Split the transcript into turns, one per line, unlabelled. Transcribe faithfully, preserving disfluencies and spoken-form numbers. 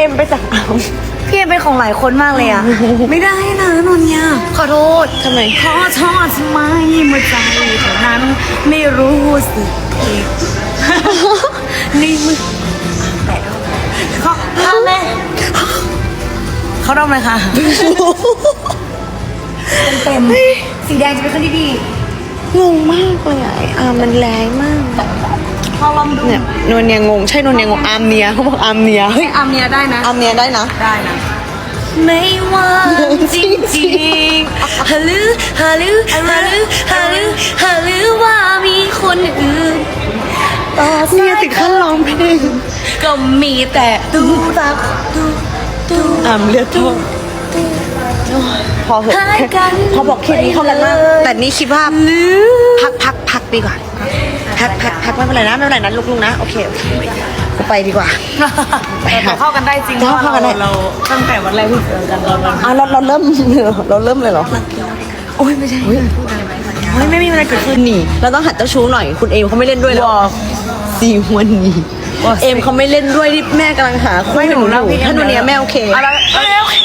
อ็มไปจากอาม
พี่เอ็มเป็นของหลายคนมากเลยอะ ไม่ได้นะนนยาขอโทษ
ทำไม
ขอโทษทำไมเมื่อใจเท่านั้นไม่รู้สึกผิดนี่มึงแต่เขาทำไหมเขาทำเลยค่ะเต็มๆสีแดงจะเป็นคนที่ดี
งงมากเลยอ่ะไอ้อามมันแรงมาก
พอลองดู
เนี่ยนวลเนี่ยงงใช่นวลเนี่ยงงอามเนียเขาบอกอามเนียเฮ้ย
อาเมียได้นะ
อามเนียได้นะ
ได้นะ ไม่ว่าจริงจริงๆฮัลโหลฮัลโหลฮัลโหลฮัลโหลฮัลโหลว่ามีคนอื่นต่อ
เนี่ย
สาย
ถึงขั้นร้องเพลง
ก็มีแต่ตูตักตูตู
อามเลือดท่วมพอเหอะ
หายกัน
พอบอกแค่นี้เท่านั้นมากแต่นี่คิดว่า
หรือ
พักพักพักดีกว่าพักพักพักไม่เป็นไรนะไม่เป็นไรนะลูกๆนะโอเคโอเคกูไปดีกว่า ไป
แต่
หา
เข้ากันได้จริง
เข้ากันได้
เราตั้งแต่วันแรกที่เจอกันตอนนั้น
อ่ะเราเราเริ่ม เราเริ่มเลยเหรอ
โอ้ยไม่ใช่เฮ้ยไม่มีอะไรเกิดขึ้น
หนีเราต้องหัดเจ้าชู้หน่อยคุณเอมเขาไม่เล่นด้วยแล้ว
ว้าว
ซีวันนี้
ว้าว
เอมเขาไม่เล่นด้วยที่แม่กำลังหาคู่ให้หนูอยู่ถ้าหนูเนี้ยแม่โอเค
อะไรโอเค